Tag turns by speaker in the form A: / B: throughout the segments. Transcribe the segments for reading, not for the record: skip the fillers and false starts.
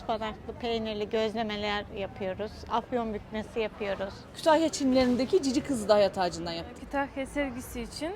A: ıspanaklı, peynirli gözlemeler yapıyoruz. Afyon bükmesi yapıyoruz.
B: Kütahya Çinlerindeki Cici Kızı da hayat ağacından yaptık.
C: Kütahya sergisi için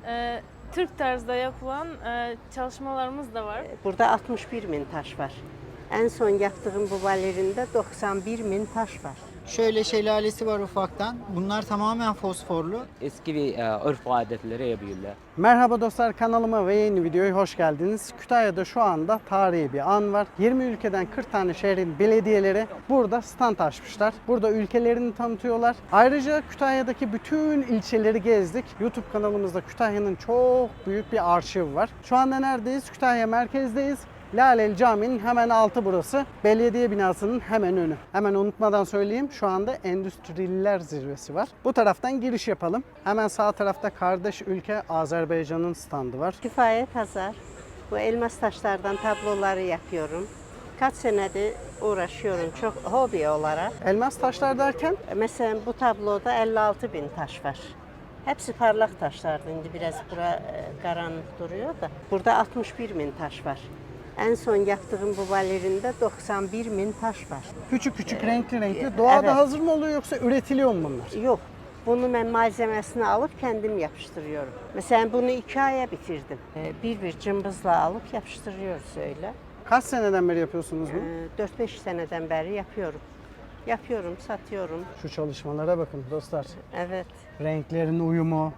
C: Türk tarzda yapılan çalışmalarımız da var.
D: Burada 61 min taş var. En son yaptığım bu balerinde 91 bin taş var.
E: Şöyle şelalesi var ufaktan. Bunlar tamamen fosforlu.
F: Eski bir örf ve adetleri yapıyorlar.
G: Merhaba dostlar, kanalıma ve yeni videoya hoş geldiniz. Kütahya'da şu anda tarihi bir an var. 20 ülkeden 40 tane şehrin belediyeleri burada stand açmışlar. Burada ülkelerini tanıtıyorlar. Ayrıca Kütahya'daki bütün ilçeleri gezdik. YouTube kanalımızda Kütahya'nın çok büyük bir arşivi var. Şu anda neredeyiz? Kütahya merkezdeyiz. Laleli Camii'nin hemen altı burası. Belediye binasının hemen önü. Hemen unutmadan söyleyeyim, şu anda Endüstrililer Zirvesi var. Bu taraftan giriş yapalım. Hemen sağ tarafta kardeş ülke Azerbaycan'ın standı var.
D: Kifayet Hazar. Bu elmas taşlardan tabloları yapıyorum. Kaç senedir uğraşıyorum çok hobi olarak.
G: Elmas taşlar derken?
D: Mesela bu tabloda 56 bin taş var. Hepsi parlak taşlardı. Şimdi biraz karanlık duruyor da. Burada 61 bin taş var. En son yaptığım bu balerinde 91 bin taş var.
G: Küçük küçük, renkli renkli. Doğada
D: Evet.
G: hazır mı oluyor yoksa üretiliyor mu bunlar?
D: Yok. Bunu ben malzemesini alıp kendim yapıştırıyorum. Mesela bunu 2 aya bitirdim. Bir cımbızla alıp yapıştırıyoruz öyle.
G: Kaç seneden beri yapıyorsunuz bunu?
D: 4-5 seneden beri yapıyorum. Yapıyorum, satıyorum.
G: Şu çalışmalara bakın dostlar.
D: Evet,
G: Renklerin uyumu.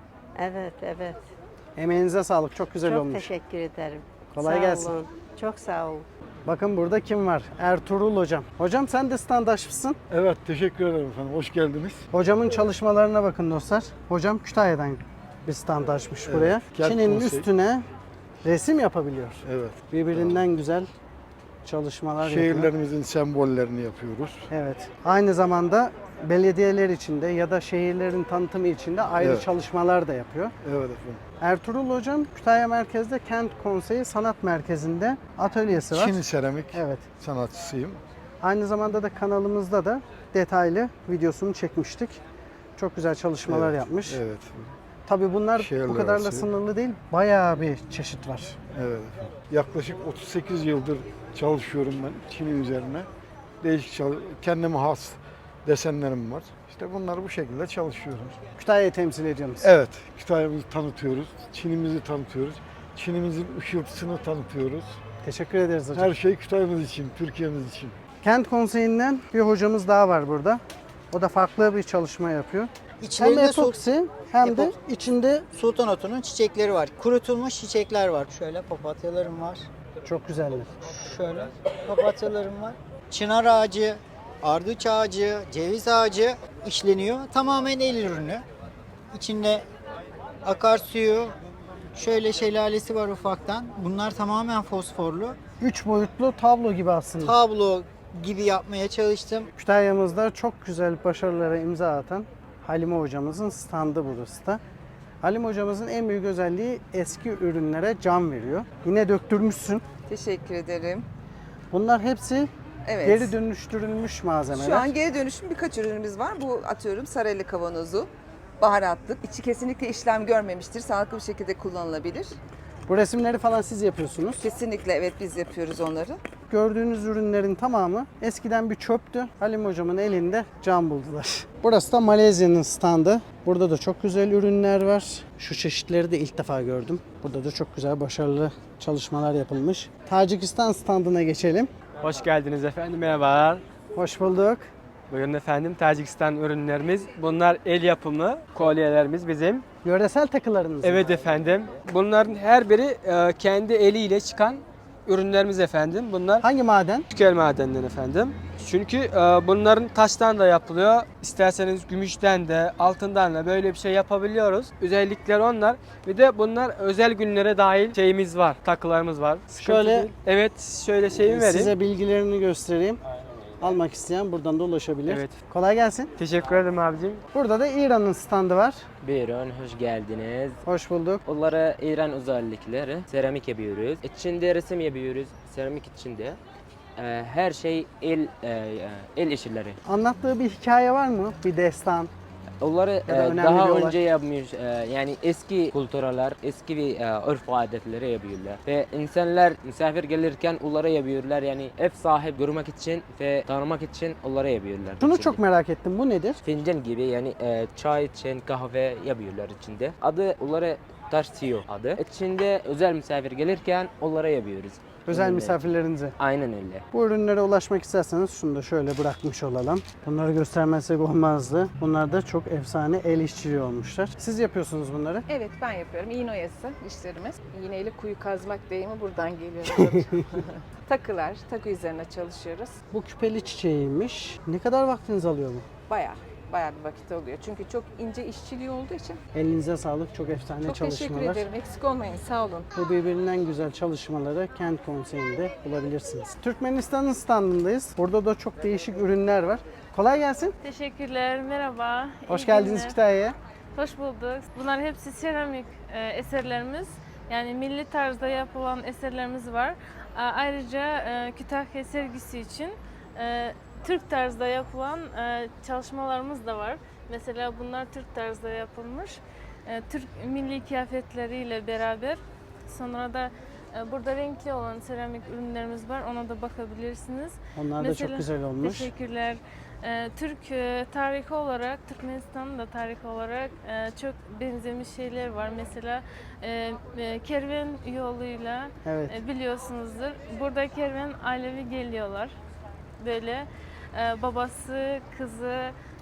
D: evet.
G: Emeğinize sağlık. Çok güzel
D: Çok
G: olmuş.
D: teşekkür ederim.
G: Kolay
D: Sağ
G: gelsin.
D: olun. Çok sağ olun.
G: Bakın burada kim var? Ertuğrul hocam. Hocam sen de standaşmışsın.
H: Evet, teşekkür ederim efendim. Hoş geldiniz.
G: Hocamın çalışmalarına bakın dostlar. Hocam Kütahya'dan bir stand açmış buraya.
H: kent
G: Çin'in
H: konsey.
G: üstüne resim yapabiliyor.
H: Evet.
G: Birbirinden güzel çalışmalar yapıyor.
H: Şehirlerimizin sembollerini yapıyoruz.
G: Evet. Aynı zamanda belediyeler içinde ya da şehirlerin tanıtımı içinde ayrı
H: Evet.
G: çalışmalar da yapıyor.
H: Evet efendim.
G: Ertuğrul hocam Kütahya merkezde Kent Konseyi Sanat Merkezi'nde atölyesi var.
H: Çin seramik
G: Evet.
H: sanatçısıyım.
G: Aynı zamanda da kanalımızda da detaylı videosunu çekmiştik. Çok güzel çalışmalar
H: Evet,
G: yapmış.
H: Evet.
G: Tabii bunlar
H: Şehirler
G: bu kadarla
H: arası.
G: sınırlı değil. Bayağı bir çeşit var.
H: Evet efendim. Yaklaşık 38 yıldır çalışıyorum ben Çin'in üzerine. Değişik kendime has desenlerim var. İşte bunları bu şekilde çalışıyorum.
G: Kütahya'yı temsil ediyorsunuz.
H: Evet, Kütahya'mızı tanıtıyoruz, Çin'imizi tanıtıyoruz, Çin'imizin ışıltısını tanıtıyoruz.
G: Teşekkür ederiz hocam.
H: Her şey Kütahya'mız için, Türkiye'miz için.
G: Kent Konseyi'nden bir hocamız daha var burada. O da farklı bir çalışma yapıyor. Hem
E: İçlerinde
G: epoksi hem de
E: Epoksi.
G: içinde
E: sultan otunun çiçekleri var. Kurutulmuş çiçekler var. Şöyle papatyalarım var.
G: çok güzeller.
E: Şöyle papatyalarım var. Çınar ağacı, ardıç ağacı, ceviz ağacı işleniyor. Tamamen el ürünü. İçinde akarsuyu, şöyle şelalesi var ufaktan. Bunlar tamamen fosforlu.
G: 3 boyutlu tablo gibi aslında.
E: Tablo gibi yapmaya çalıştım.
G: Kütahya'mızda çok güzel başarılara imza atan Halime hocamızın standı burası da. Halime hocamızın en büyük özelliği eski ürünlere can veriyor. Yine döktürmüşsün.
I: Teşekkür ederim.
G: Bunlar hepsi
I: Evet.
G: geri dönüştürülmüş malzemeler.
I: Şu an geri dönüşüm birkaç ürünümüz var. Bu atıyorum saraylı kavanozu, baharatlık. İçi kesinlikle işlem görmemiştir. Sağlıklı bir şekilde kullanılabilir.
G: Bu resimleri falan siz yapıyorsunuz.
I: Kesinlikle evet biz yapıyoruz onları.
G: Gördüğünüz ürünlerin tamamı eskiden bir çöptü. Halim hocamın elinde can buldular. Burası da Malezya'nın standı. Burada da çok güzel ürünler var. Şu çeşitleri de ilk defa gördüm. Burada da çok güzel başarılı çalışmalar yapılmış. Tacikistan standına geçelim.
J: Hoş geldiniz efendim, merhabalar.
G: Hoş bulduk.
J: Bugün efendim Tacikistan ürünlerimiz. Bunlar el yapımı kolyelerimiz bizim.
G: Yöresel takılarınız mı?
J: Evet efendim. Bunların her biri kendi eliyle çıkan ürünlerimiz efendim. Bunlar
G: Hangi maden?
J: tükel madenden efendim. Çünkü bunların taştan da yapılıyor. İsterseniz gümüşten de, altından da böyle bir şey yapabiliyoruz. Özellikler onlar. Bir de bunlar özel günlere dahil şeyimiz var, takılarımız var. Sıkıntı
G: Şöyle-
J: değil. Evet, şöyle şeyimi vereyim.
G: Size bilgilerini göstereyim. Almak isteyen buradan da ulaşabilir.
J: Evet.
G: Kolay gelsin.
J: Teşekkür ederim abicim.
G: Burada da İran'ın standı var.
F: Buyurun, hoş geldiniz.
G: Hoş bulduk.
F: Onlara İran özellikleri, seramik yapıyoruz. İçinde resim yapıyoruz, seramik içinde. Her şey el işleri.
G: Anlattığı bir hikaye var mı? Bir destan.
F: onları
G: Ya da önemli
F: daha
G: bir olay.
F: önce yapmış. Yani eski kültürler, eski bir örf adetleri yapıyorlar. Ve insanlar misafir gelirken onlara yapıyorlar. Yani ev sahibi görmek için ve tanımak için onlara yapıyorlar.
G: Şunu
F: içinde.
G: çok merak ettim. Bu nedir?
F: Fincan gibi yani çay için kahve yapıyorlar içinde. Adı onlara tarsiyo adı. İçinde özel misafir gelirken onlara yapıyoruz.
G: Özel
F: Ürünler.
G: misafirlerinize.
F: Aynen öyle.
G: Bu ürünlere ulaşmak isterseniz şunu da şöyle bırakmış olalım. Bunları göstermezsek olmazdı. Bunlar da çok efsane el işçiliği olmuşlar. Siz yapıyorsunuz bunları.
K: Evet, ben yapıyorum. İğne oyası işlerimiz. İğneyle kuyu kazmak deyimi buradan geliyor. Takılar, takı üzerine çalışıyoruz.
G: Bu küpeli çiçeğiymiş. Ne kadar vaktiniz alıyor bu?
K: Bayağı bir vakit alıyor. Çünkü çok ince işçiliği olduğu için.
G: Elinize sağlık. Çok efsane
K: Çok
G: çalışmalar.
K: teşekkür ederim. Eksik olmayın. Sağ olun.
G: Bu birbirinden güzel çalışmaları Kent Konseyi'nde bulabilirsiniz. Türkmenistan'ın standındayız. Burada da çok değişik ürünler var. Kolay gelsin.
C: Teşekkürler, merhaba.
G: Hoş
C: İyi
G: geldiniz
C: günler.
G: Kütahya'ya.
C: Hoş bulduk. Bunlar hepsi seramik eserlerimiz. Yani milli tarzda yapılan eserlerimiz var. Ayrıca Kütahya sergisi için Türk tarzda yapılan çalışmalarımız da var. Mesela bunlar Türk tarzda yapılmış. Türk milli kıyafetleriyle beraber. Sonra da burada renkli olan seramik ürünlerimiz var. Ona da bakabilirsiniz.
G: Onlar da çok güzel olmuş.
C: Teşekkürler. Türk tarihi olarak, Türkmenistan'ın da tarihi olarak çok benzemiş şeyler var. Mesela kervan yoluyla
G: Evet.
C: biliyorsunuzdur. Burada kervan ailevi geliyorlar. Böyle babası, kızı,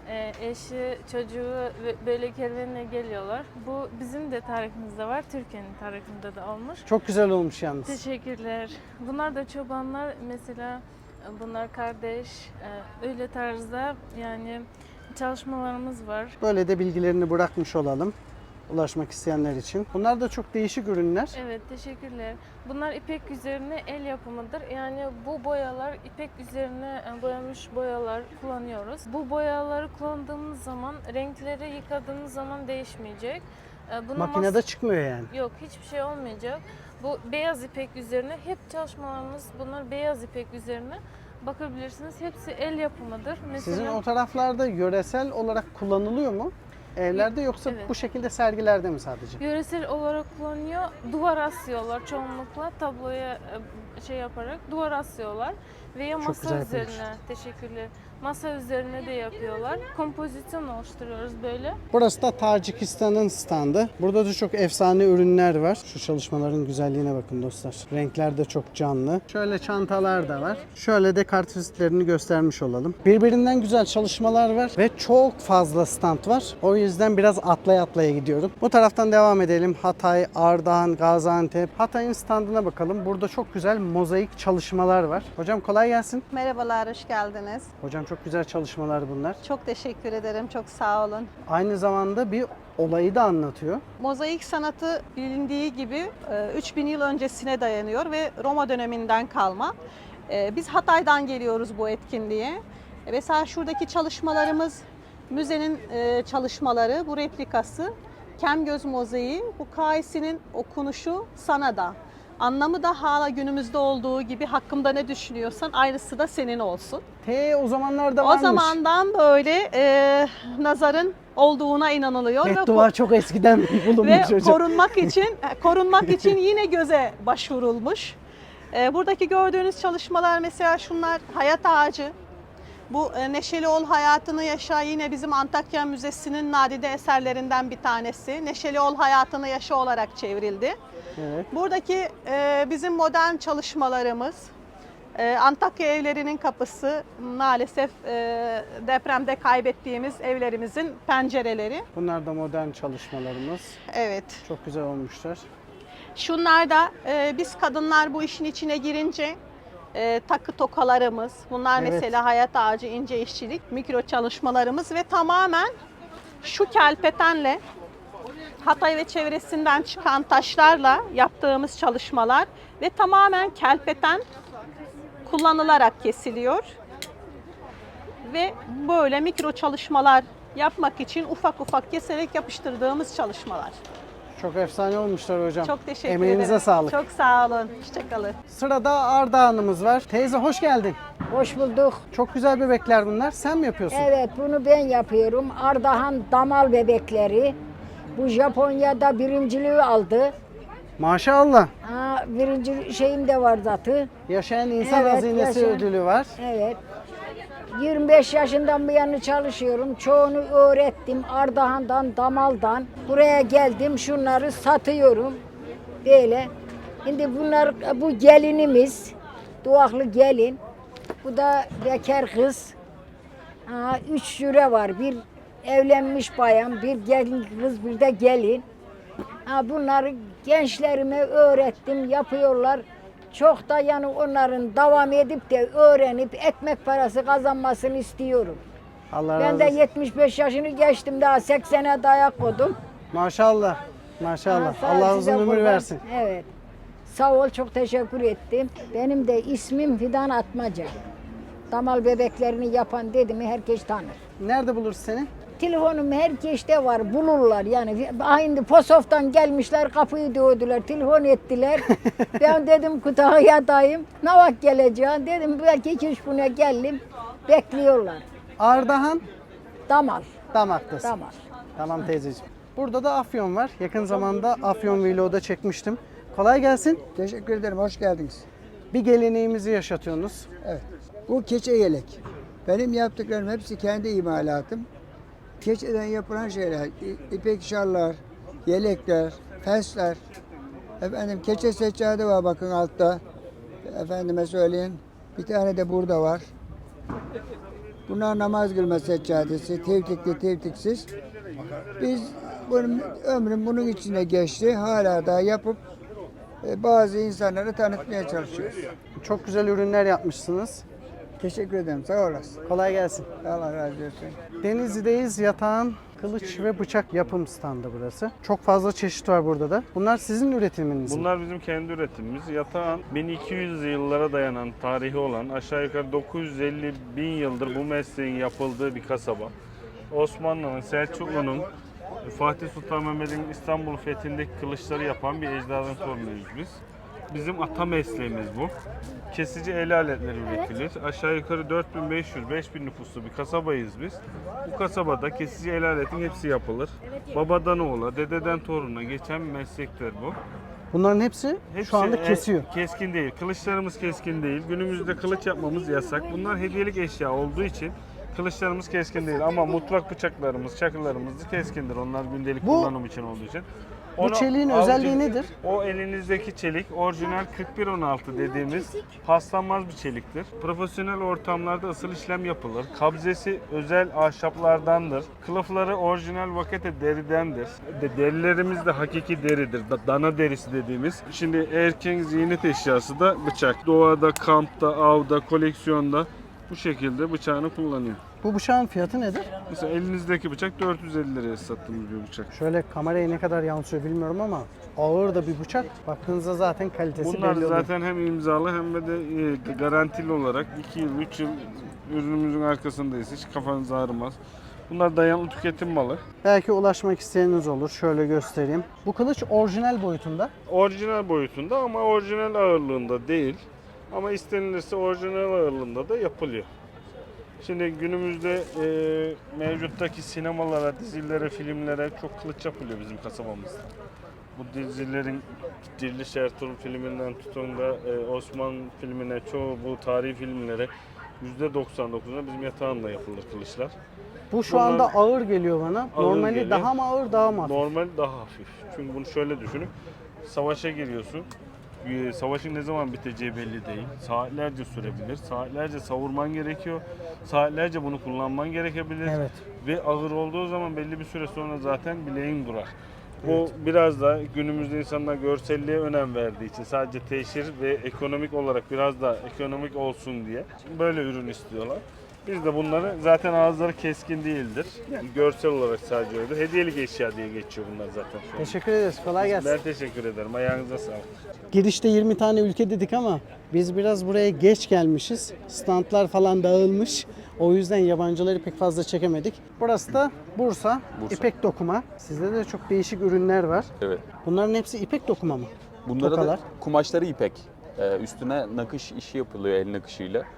C: eşi, çocuğu böyle kervanla geliyorlar. Bu bizim de tarihimizde var. Türkiye'nin tarihinde de olmuş.
G: Çok güzel olmuş yalnız.
C: Teşekkürler. Bunlar da çobanlar mesela. Bunlar kardeş, öyle tarzda yani çalışmalarımız var.
G: Böyle de bilgilerini bırakmış olalım. Ulaşmak isteyenler için. Bunlar da çok değişik ürünler.
C: Evet, teşekkürler. Bunlar ipek üzerine el yapımıdır. Yani bu boyalar ipek üzerine boyamış boyalar kullanıyoruz. Bu boyaları kullandığımız zaman renkleri yıkadığımız zaman değişmeyecek.
G: Makinede çıkmıyor yani.
C: Yok, hiçbir şey olmayacak. Bu beyaz ipek üzerine hep çalışmalarımız bunlar beyaz ipek üzerine bakabilirsiniz. Hepsi el yapımıdır. Mesela,
G: Sizin o taraflarda yöresel olarak kullanılıyor mu? Evlerde yoksa
C: Evet.
G: bu şekilde sergilerde mi sadece?
C: yöresel olarak kullanıyor. Duvar asıyorlar çoğunlukla tabloya şey yaparak duvar asıyorlar veya
G: Çok
C: masa
G: güzel
C: üzerine.
G: yapılmış.
C: Teşekkürler. Masa üzerine de yapıyorlar. Kompozisyon oluşturuyoruz böyle.
G: Burası da Tacikistan'ın standı. Burada da çok efsane ürünler var. Şu çalışmaların güzelliğine bakın dostlar. Renkler de çok canlı. Şöyle çantalar da var. Şöyle de kartvizitlerini göstermiş olalım. Birbirinden güzel çalışmalar var ve çok fazla stand var. O yüzden biraz atlaya atlaya gidiyorum. Bu taraftan devam edelim. Hatay, Ardahan, Gaziantep. Hatay'ın standına bakalım. Burada çok güzel mozaik çalışmalar var. Hocam kolay gelsin.
L: Merhabalar, hoş geldiniz.
G: Hocam çok güzel çalışmalar bunlar.
L: Çok teşekkür ederim, çok sağ olun.
G: Aynı zamanda bir olayı da anlatıyor.
L: Mozaik sanatı bilindiği gibi 3000 yıl öncesine dayanıyor ve Roma döneminden kalma. Biz Hatay'dan geliyoruz bu etkinliğe. Mesela şuradaki çalışmalarımız müzenin çalışmaları, bu replikası. Kemgöz mozaiği, bu Kaisi'nin okunuşu sana da. Anlamı da hala günümüzde olduğu gibi hakkımda ne düşünüyorsan aynısı da senin olsun.
G: O zamanlarda varmış.
L: O zamandan böyle nazarın olduğuna inanılıyor ve
G: Beddua çok eskiden bulunmuş
L: ve
G: hocam.
L: korunmak için yine göze başvurulmuş. Buradaki gördüğünüz çalışmalar mesela şunlar hayat ağacı. Bu Neşeli Ol Hayatını Yaşa yine bizim Antakya Müzesi'nin nadide eserlerinden bir tanesi. Neşeli Ol Hayatını Yaşa olarak çevrildi.
G: Evet.
L: Buradaki bizim modern çalışmalarımız Antakya evlerinin kapısı, maalesef depremde kaybettiğimiz evlerimizin pencereleri.
G: Bunlar da modern çalışmalarımız.
L: Evet.
G: Çok güzel olmuşlar.
L: Şunlar da biz kadınlar bu işin içine girince takı tokalarımız, bunlar
G: Evet.
L: mesela hayat ağacı, ince işçilik, mikro çalışmalarımız ve tamamen şu kelpetenle Hatay ve çevresinden çıkan taşlarla yaptığımız çalışmalar ve tamamen kelpeten kullanılarak kesiliyor. Ve böyle mikro çalışmalar yapmak için ufak ufak keserek yapıştırdığımız çalışmalar.
G: Çok efsane olmuşlar hocam.
L: Çok teşekkür ederim.
G: Emeğinize sağlık.
L: Çok sağ olun. Hoşçakalın.
G: Sırada Ardahan'ımız var. Teyze hoş geldin.
M: Hoş bulduk.
G: Çok güzel bebekler bunlar. Sen mi yapıyorsun?
M: Evet, bunu ben yapıyorum. Ardahan damal bebekleri. Bu Japonya'da birinciliği aldı.
G: Maşallah.
M: Birinci şeyim de var zaten.
G: Yaşayan insan
M: Evet,
G: hazinesi
M: yaşayan-
G: ödülü var.
M: Evet. 25 yaşından bu yana çalışıyorum. Çoğunu öğrettim. Ardahan'dan, damaldan. Buraya geldim. Şunları satıyorum. Böyle. Şimdi bunlar, bu gelinimiz. Duaklı gelin. Bu da bekar kız. 3 süre var. Bir evlenmiş bayan, bir gelin kız, bir de gelin. Bunları gençlerime öğrettim, yapıyorlar. Çok da yani onların devam edip de öğrenip ekmek parası kazanmasını istiyorum.
G: Allah
M: Ben
G: razı
M: de
G: olsun.
M: 75 yaşını geçtim, daha 80'e dayak koydum.
G: Maşallah. Maşallah.
M: Sağ ol,
G: Allah
M: size
G: uzun ömür
M: kurban.
G: versin.
M: Evet. Sağ ol, çok teşekkür ettim. Benim de ismim Fidan Atmaca. Damal bebeklerini yapan dedi mi herkes tanır.
G: Nerede buluruz seni?
M: Telefonum herkeste var, bulurlar yani. Aynı Posof'tan gelmişler, kapıyı dövdüler, telefon ettiler. Ben dedim Kütahya'dayım, ne vakit geleceğim? Dedim belki 2-3 güne geldim, bekliyorlar.
G: Ardahan,
M: Damal,
G: Damak'tasın.
M: damal.
G: Tamam teyzeciğim. Burada da Afyon var. Yakın zamanda Afyon Vlog'da çekmiştim. Kolay gelsin.
E: Teşekkür ederim, hoş geldiniz.
G: Bir geleneğimizi yaşatıyorsunuz.
E: Evet. Bu keçe yelek. Benim yaptıklarım hepsi kendi imalatım. Keçeden yapılan şeyler, ipek şallar, yelekler, fesler. Efendim keçe seccade var bakın altta. Efendime söyleyeyim. Bir tane de burada var. Bunlar namaz kılma seccadesi, tevtikli tevtiksiz. Biz ömrüm bunun içine geçti. Hala da yapıp bazı insanları tanıtmaya çalışıyoruz.
G: Çok güzel ürünler yapmışsınız.
E: Teşekkür ederim. Sağ olasın.
G: Kolay gelsin.
E: Allah razı olsun.
G: Denizli'deyiz. Yatağın kılıç ve bıçak yapım standı burası. Çok fazla çeşit var burada da. Bunlar sizin üretiminiz mi?
N: Bunlar bizim kendi üretimimiz. Yatağın 1200 yıllara dayanan tarihi olan aşağı yukarı 950 bin yıldır bu mesleğin yapıldığı bir kasaba. Osmanlı'nın, Selçuklu'nun, Fatih Sultan Mehmet'in İstanbul fethindeki kılıçları yapan bir ecdadın torunuyuz biz. Bizim ata mesleğimiz bu. Kesici el aletleri üretilir. Aşağı yukarı 4500-5000 nüfuslu bir kasabayız biz. Bu kasabada kesici el aletin hepsi yapılır. Babadan oğula, dededen toruna geçen bir meslektir bu.
G: Bunların hepsi şu anda kesiyor.
N: Keskin değil. Kılıçlarımız keskin değil. Günümüzde kılıç yapmamız yasak. Bunlar hediyelik eşya olduğu için kılıçlarımız keskin değil. Ama mutfak bıçaklarımız, çakılarımız keskindir. Onlar gündelik kullanım için olduğu için.
G: Bu çeliğin özelliği nedir?
N: O elinizdeki çelik orijinal 4116 dediğimiz paslanmaz bir çeliktir. Profesyonel ortamlarda ısıl işlem yapılır. Kabzesi özel ahşaplardandır. Kılıfları orijinal vakete deridendir. Derilerimiz de hakiki deridir. Dana derisi dediğimiz. Şimdi erkeğin ziynet eşyası da bıçak. Doğada, kampta, avda, koleksiyonda bu şekilde bıçağını kullanıyor.
G: Bu bıçağın fiyatı nedir?
N: Mesela elinizdeki bıçak 450 liraya sattığımız bir bıçak.
G: Şöyle kameraya ne kadar yansıyor bilmiyorum ama ağır da bir bıçak. Baktığınızda zaten kalitesi
N: Bunlar
G: belli oluyor.
N: zaten hem imzalı hem de garantili olarak 2 yıl, 3 yıl ürünümüzün arkasındayız. Hiç kafanız ağrımaz. Bunlar dayanıklı tüketim malı.
G: Belki ulaşmak isteyeniniz olur. Şöyle göstereyim. Bu kılıç orijinal boyutunda.
N: Orijinal boyutunda ama orijinal ağırlığında değil. Ama istenilirse orijinal ağırlığında da yapılıyor. Şimdi günümüzde mevcuttaki sinemalara, dizilere, filmlere çok kılıç yapılıyor bizim kasabamızda. Bu dizilerin Diriliş Ertuğrul filminden tutun da Osman filmine, çoğu bu tarihi filmlere %99'una bizim yatağında yapılır kılıçlar.
G: Bu şu anda ağır geliyor bana.
N: Ağır
G: Normali
N: geliyor.
G: daha mı ağır daha mı hafif?
N: Normal daha hafif. Çünkü bunu şöyle düşünün. Savaşa giriyorsun. Savaşın ne zaman biteceği belli değil. Saatlerce sürebilir. Saatlerce savurman gerekiyor. Saatlerce bunu kullanman gerekebilir.
G: Evet.
N: Ve ağır olduğu zaman belli bir süre sonra zaten bileğin durar. Bu biraz da günümüzde insanlar görselliğe önem verdiği için sadece teşhir ve ekonomik olarak biraz da ekonomik olsun diye böyle ürün istiyorlar. Biz de bunları zaten ağızları keskin değildir. Yani görsel olarak sadece öyle. Hediyelik eşya diye geçiyor bunlar zaten şu an.
G: Teşekkür ederiz. Kolay gelsin.
N: Ben teşekkür ederim. Ayağınıza sağlık.
G: Girişte 20 tane ülke dedik ama biz biraz buraya geç gelmişiz. Standlar falan dağılmış. O yüzden yabancıları pek fazla çekemedik. Burası da Bursa. İpek dokuma. Sizde de çok değişik ürünler var.
O: Evet.
G: Bunların hepsi ipek dokuma mı?
O: Bunlara
G: Tokalar.
O: da kumaşları ipek. Üstüne nakış işi yapılıyor el nakışıyla.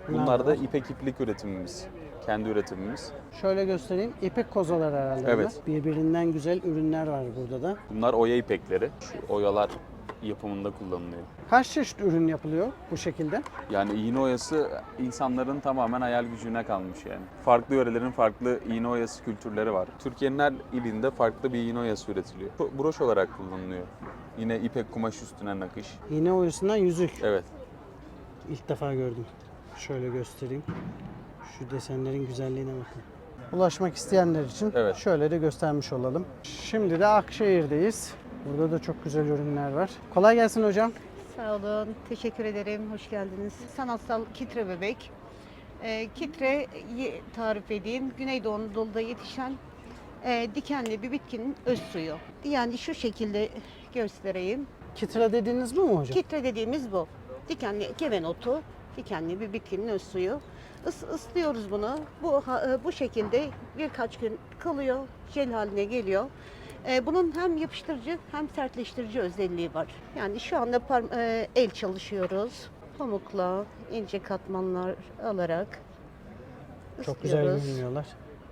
G: da
O: Bunlar da
G: var.
O: ipek iplik üretimimiz. Kendi üretimimiz.
G: Şöyle göstereyim. İpek kozalar herhalde.
O: Evet.
G: bunlar. Birbirinden güzel ürünler var burada da.
O: Bunlar oya ipekleri. Şu oyalar yapımında kullanılıyor.
G: Kaç çeşit ürün yapılıyor bu şekilde?
O: Yani iğne oyası insanların tamamen hayal gücüne kalmış yani. Farklı yörelerin farklı iğne oyası kültürleri var. Türkiye'nin her ilinde farklı bir iğne oyası üretiliyor. Broş olarak kullanılıyor. Yine ipek kumaş üstüne nakış.
G: İğne oyasından yüzük.
O: Evet.
G: İlk defa gördüm. Şöyle göstereyim. Şu desenlerin güzelliğine bakın. Ulaşmak isteyenler için
O: Evet.
G: şöyle de göstermiş olalım. Şimdi de Akşehir'deyiz. Burada da çok güzel ürünler var. Kolay gelsin hocam.
P: Sağ olun, teşekkür ederim. Hoş geldiniz. Sanatsal kitre bebek. Kitre tarif edeyim. Güneydoğu Anadolu'da yetişen dikenli bir bitkinin öz suyu. Yani şu şekilde göstereyim.
G: Kitre dediğiniz bu mu hocam?
P: Kitre dediğimiz bu. Dikenli keven otu, dikenli bir bitkinin öz suyu. Islıyoruz bunu. Bu şekilde birkaç gün kalıyor, jel haline geliyor. Bunun hem yapıştırıcı hem sertleştirici özelliği var. Yani şu anda el çalışıyoruz. Pamukla ince katmanlar alarak
G: Çok güzel
P: ıslıyoruz.
G: görünüyorlar.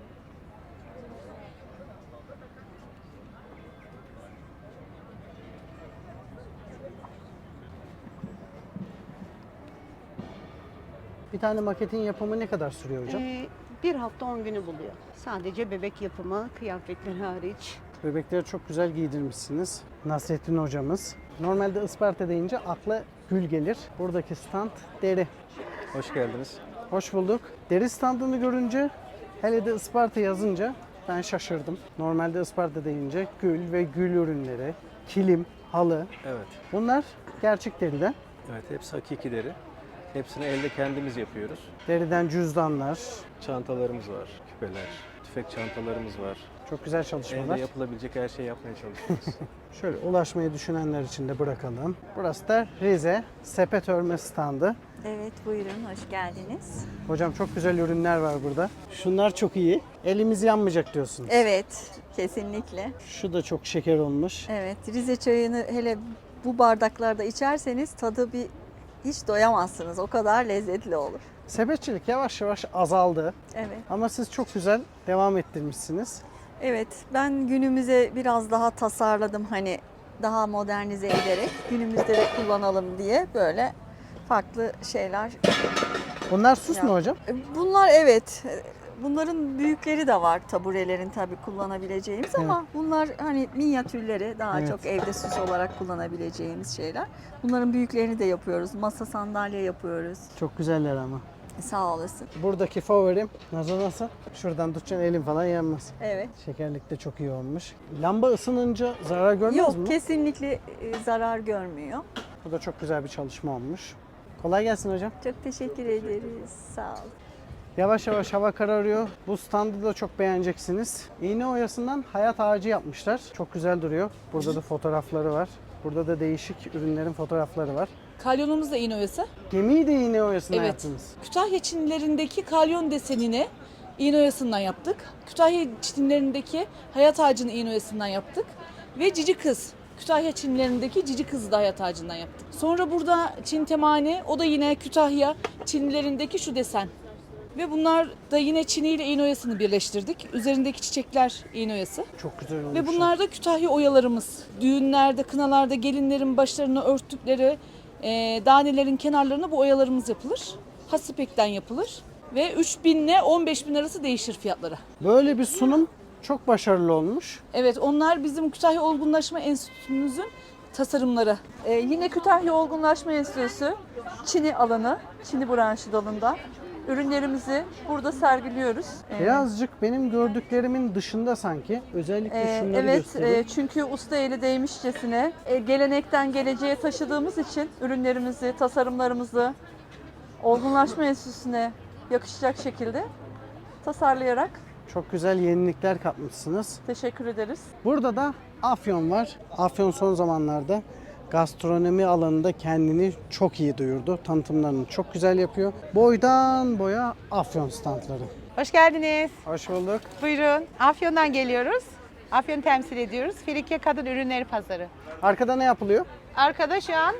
G: Bir tane maketin yapımı ne kadar sürüyor hocam?
P: Bir hafta 10 günü buluyor. Sadece bebek yapımı, kıyafetler hariç.
G: Bebekleri çok güzel giydirmişsiniz. Nasrettin hocamız. Normalde Isparta deyince akla gül gelir. Buradaki stand deri.
Q: Hoş geldiniz.
G: Hoş bulduk. Deri standını görünce, hele de Isparta yazınca ben şaşırdım. Normalde Isparta deyince gül ve gül ürünleri, kilim, halı.
Q: Evet.
G: Bunlar gerçek deriden.
Q: Evet, hepsi hakiki deri. Hepsini elde kendimiz yapıyoruz.
G: Deriden cüzdanlar.
Q: Çantalarımız var, küpeler, tüfek çantalarımız var.
G: Çok güzel çalışmalar.
Q: Elde yapılabilecek her şeyi yapmaya çalışıyoruz.
G: Şöyle ulaşmayı düşünenler için de bırakalım. Burası da Rize sepet örme standı.
R: Evet, buyurun, hoş geldiniz.
G: Hocam çok güzel ürünler var burada. Şunlar çok iyi. Elimiz yanmayacak diyorsunuz.
R: Evet, kesinlikle.
G: Şu da çok şeker olmuş.
R: Evet, Rize çayını hele bu bardaklarda içerseniz tadı hiç doyamazsınız. O kadar lezzetli olur.
G: Sepetçilik yavaş yavaş azaldı.
R: Evet.
G: Ama siz çok güzel devam ettirmişsiniz.
R: Evet, ben günümüze biraz daha tasarladım, hani daha modernize ederek günümüzde de kullanalım diye böyle farklı şeyler.
G: Bunlar süs mü hocam?
R: Bunlar evet. Bunların büyükleri de var, taburelerin tabii kullanabileceğimiz ama bunlar hani minyatürleri, daha
G: Evet.
R: çok evde süs olarak kullanabileceğimiz şeyler. Bunların büyüklerini de yapıyoruz. Masa sandalye yapıyoruz.
G: Çok güzeller ama.
R: Sağ olasın.
G: Buradaki favorim nasıl? Şuradan tutacaksın, elin falan yanmaz.
R: Evet.
G: Şekerlik de çok iyi olmuş. Lamba ısınınca zarar görmez
R: Yok,
G: mi?
R: kesinlikle zarar görmüyor.
G: Bu da çok güzel bir çalışma olmuş. Kolay gelsin hocam.
R: Çok teşekkür ederiz. Sağ ol.
G: Yavaş yavaş hava kararıyor. Bu standı da çok beğeneceksiniz. İğne oyasından hayat ağacı yapmışlar. Çok güzel duruyor. Burada da fotoğrafları var. Burada da değişik ürünlerin fotoğrafları var.
B: Kalyonumuz da iğne oyası.
G: Gemiyi de iğne oyasından
B: Evet.
G: yaptınız.
B: Kütahya çinlerindeki kalyon desenini iğne oyasından yaptık. Kütahya çinlerindeki hayat ağacını iğne oyasından yaptık. Ve cici kız. Kütahya Çinlilerindeki cici kızı da hayat ağacından yaptık. Sonra burada Çin temane, o da yine Kütahya Çinlilerindeki şu desen. Ve bunlar da yine çini ile iğne oyasını birleştirdik. Üzerindeki çiçekler iğne oyası.
G: Çok güzel olmuş.
B: Ve bunlar da Kütahya oyalarımız. Düğünlerde, kınalarda gelinlerin başlarını örttükleri danelerin kenarlarına bu oyalarımız yapılır. Has ipekten yapılır. Ve 3.000 ile 15.000 arası değişir fiyatları.
G: Böyle bir sunum çok başarılı olmuş.
B: Evet, onlar bizim Kütahya Olgunlaşma Enstitümüzün tasarımları. Yine Kütahya Olgunlaşma Enstitüsü Çini alanı, Çini branşı dalında. Ürünlerimizi burada sergiliyoruz.
G: Birazcık benim gördüklerimin dışında sanki. Özellikle şunları göstereyim.
B: Evet, çünkü usta eli değmişçesine gelenekten geleceğe taşıdığımız için ürünlerimizi, tasarımlarımızı Olgunlaşma Enstitüsü'ne yakışacak şekilde tasarlayarak
G: Çok güzel yenilikler katmışsınız.
B: teşekkür ederiz.
G: Burada da Afyon var. Afyon son zamanlarda gastronomi alanında kendini çok iyi duyurdu. Tanıtımlarını çok güzel yapıyor. Boydan boya Afyon standları.
S: Hoş geldiniz.
G: Hoş bulduk.
S: Buyurun. Afyon'dan geliyoruz. Afyon'u temsil ediyoruz. Frikya Kadın Ürünleri Pazarı.
G: Arkada ne yapılıyor?
S: Arkada şu an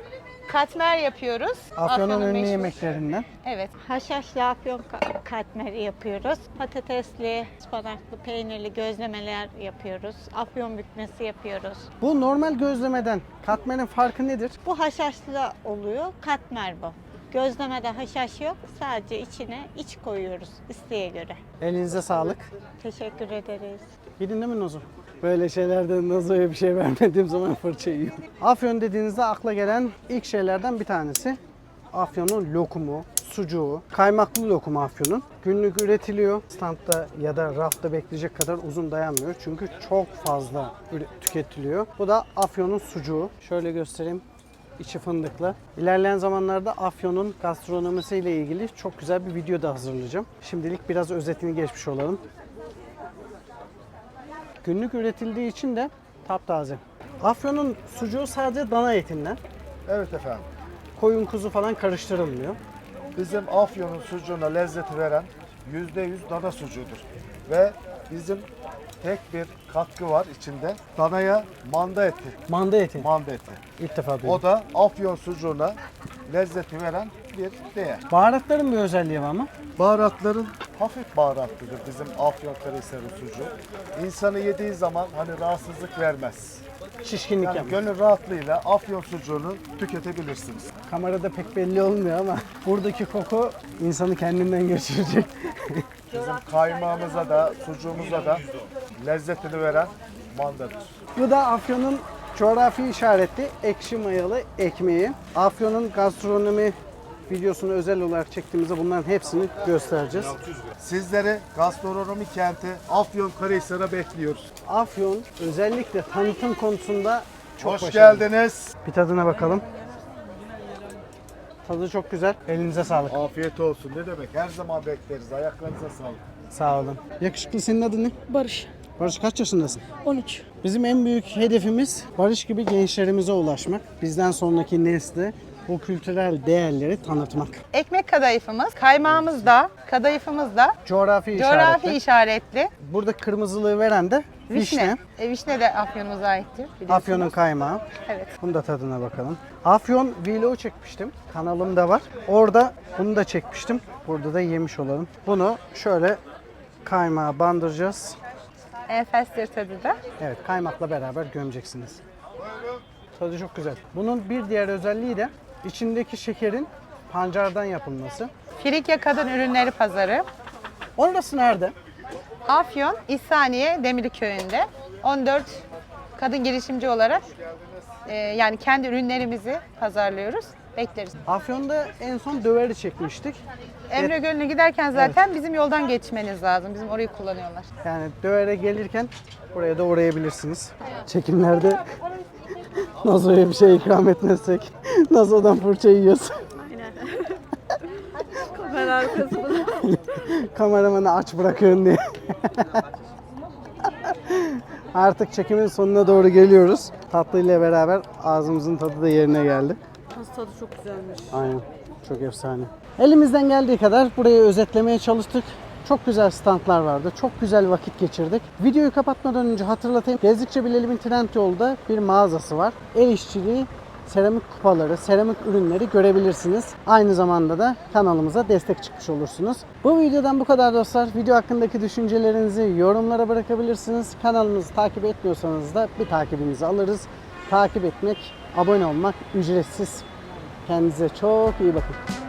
S: katmer yapıyoruz.
G: Afyon'un ünlü
S: meşhur.
G: yemeklerinden.
S: Evet.
A: Haşhaşlı afyon katmeri yapıyoruz. Patatesli, ıspanaklı, peynirli gözlemeler yapıyoruz. Afyon bükmesi yapıyoruz.
G: Bu normal gözlemeden katmerin farkı nedir?
A: Bu haşhaşlı oluyor, katmer bu. Gözlemede haşhaş yok, sadece içine iç koyuyoruz isteğe göre.
G: Elinize sağlık.
A: Teşekkür ederiz.
G: Gidin değil mi Nazo? Böyle şeylerde Nazo'ya bir şey vermediğim zaman fırça yiyor. Afyon dediğinizde akla gelen ilk şeylerden bir tanesi Afyon'un lokumu, sucuğu, kaymaklı lokum Afyon'un. Günlük üretiliyor. Standta ya da rafta bekleyecek kadar uzun dayanmıyor. Çünkü çok fazla tüketiliyor. Bu da Afyon'un sucuğu. Şöyle göstereyim. İçi fındıklı. İlerleyen zamanlarda Afyon'un gastronomisiyle ilgili çok güzel bir video da hazırlayacağım. Şimdilik biraz özetini geçmiş olalım. Günlük üretildiği için de taptaze. Afyon'un sucuğu sadece dana etinden.
H: Evet efendim.
G: Koyun kuzu falan karıştırılmıyor.
H: Bizim Afyon'un sucuğuna lezzeti veren %100 dana sucuğudur. Ve bizim tek bir katkı var içinde. Danaya manda eti.
G: Manda eti.
H: Manda eti.
G: İlk defa duydum.
H: O da Afyon sucuğuna lezzeti veren bir değer.
G: Baharatların bir özelliği var mı?
H: Baharatların hafif baharatlıdır bizim Afyonkarahisar'ın sucuğu. İnsanı yediği zaman hani rahatsızlık vermez.
G: Şişkinlik
H: Yani
G: yapmıyor.
H: gönül rahatlığıyla Afyon sucuğunu tüketebilirsiniz.
G: Kamerada pek belli olmuyor ama buradaki koku insanı kendinden geçirecek.
H: Bizim kaymağımıza da sucuğumuza da lezzetini veren mandadır.
G: Bu da Afyon'un coğrafi işaretli ekşi mayalı ekmeği. Afyon'un gastronomi videosunu özel olarak çektiğimizde bunların hepsini göstereceğiz.
H: Sizleri gastronomi kenti Afyonkarahisar'a bekliyoruz.
G: Afyon özellikle tanıtım konusunda çok
H: Hoş
G: başarılı.
H: geldiniz.
G: Bir tadına bakalım. Tadı çok güzel. Elinize sağlık.
H: Afiyet olsun. Ne demek? Her zaman bekleriz. Ayaklarınıza sağlık.
G: Sağ olun. Yakışıklı, senin adın ne?
T: Barış.
G: Barış, kaç yaşındasın?
T: 13.
G: Bizim en büyük hedefimiz Barış gibi gençlerimize ulaşmak. Bizden sonraki nesle bu kültürel değerleri tanıtmak.
S: Ekmek kadayıfımız, kaymağımız da, kadayıfımız da
G: Coğrafi
S: coğrafi işaretli.
G: Burada kırmızılığı veren de vişne.
S: Vişne de Afyon'umuza aittir. biliyorsunuz.
G: Afyon'un kaymağı.
S: Evet.
G: Bunun da tadına bakalım. Afyon vlog çekmiştim. Kanalımda var. Orada bunu da çekmiştim. Burada da yemiş olalım. Bunu şöyle kaymağa bandıracağız.
S: Enfestir tadı da.
G: Evet, kaymakla beraber gömeceksiniz. Tadı çok güzel. Bunun bir diğer özelliği de içindeki şekerin pancardan yapılması.
S: Frikya Kadın Ürünleri Pazarı.
G: Orası nerede?
S: Afyon, İhsaniye, Demirli Köyü'nde. 14 kadın girişimci olarak yani kendi ürünlerimizi pazarlıyoruz. Bekleriz.
G: Afyon'da en son döveri çekmiştik.
S: Emre Gölü'ne giderken zaten bizim yoldan geçmeniz lazım. Bizim orayı kullanıyorlar.
G: Yani dövere gelirken buraya da uğrayabilirsiniz. Çekimlerde Nazo'ya bir şey ikram etmezsek Nazo'dan fırça yiyoruz.
T: Aynen. Kamera arkası bunu.
G: Kameramanı aç bırakın diye. Artık çekimin sonuna doğru geliyoruz. Tatlıyla beraber ağzımızın tadı da yerine geldi.
T: Tadı çok güzelmiş.
G: Aynen. Çok efsane. Elimizden geldiği kadar burayı özetlemeye çalıştık. Çok güzel standlar vardı. Çok güzel vakit geçirdik. Videoyu kapatmadan önce hatırlatayım. Gezdikçe Bilelim'in Trendyol'da bir mağazası var. El işçiliği, seramik kupaları, seramik ürünleri görebilirsiniz. Aynı zamanda da kanalımıza destek çıkmış olursunuz. Bu videodan bu kadar dostlar. Video hakkındaki düşüncelerinizi yorumlara bırakabilirsiniz. Kanalımızı takip etmiyorsanız da bir takibinizi alırız. Takip etmek, abone olmak ücretsiz. Kendinize çok iyi bakın.